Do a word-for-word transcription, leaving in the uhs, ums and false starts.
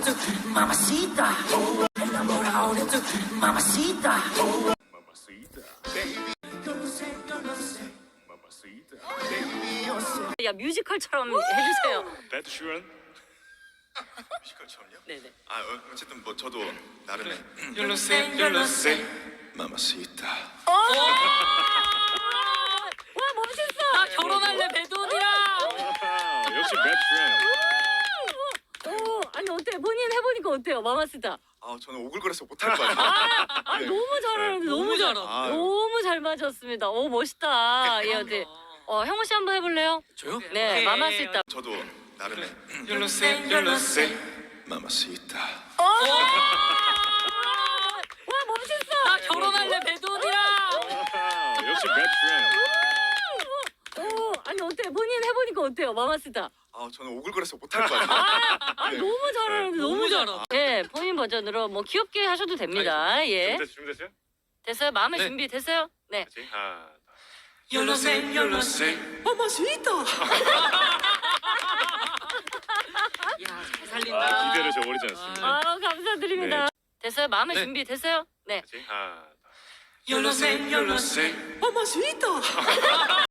de tu mamacita. Enamorado de tu mamacita. Mamacita, baby. Yo lo sé, yo lo sé. Mamacita, Baby, yo sé. 야 뮤지컬처럼 해주세요. That Sheeran. 뮤지컬처럼요? 네네. 아 어, 어쨌든 뭐 저도 나름의 Yo lo sé, yo lo sé. 마마시타. 와 멋있어. 나 결혼할래 배돈이랑. 아, 역시 That Sheeran. 오 아니 어때? 본인 해보니까 어때요, 마마스타? 아 저는 오글거려서 못할 것 같아요. 아 네. 너무 잘하는데 너무 잘 아, 너무 잘 맞았습니다. 오 멋있다. 예 어때? 어 형호 씨 한번 해볼래요? 저요? 네 오케이. 마마스타. 저도 나름의 Yo lo sé, yo lo sé. 마마시타. 와 멋있어. 나 결혼할래 배돈이랑. 아, 역시 That Sheeran. 오 아니 어때? 본인 해보니까 어때요, 마마스타? 아 저는 오글거려서 못할 것 같아요. 아 네. 너무 잘하는데 너무 너무 잘. 잘하- 네 본인 버전으로 뭐 귀엽게 하셔도 됩니다. 예 준비됐어요? 준비됐어요? 됐어요? 마음의 네. 준비 됐어요? 네. 그렇지? 하나. Yo lo sé, yo lo sé. Mamacita. 야잘 아, 살린다. 기대를 저버리지 않습니다. 아 감사드립니다. 됐어요? 마음의 네. 준비 됐어요? 네. 그렇지? 하나. Yo lo sé, yo lo sé. Mamacita.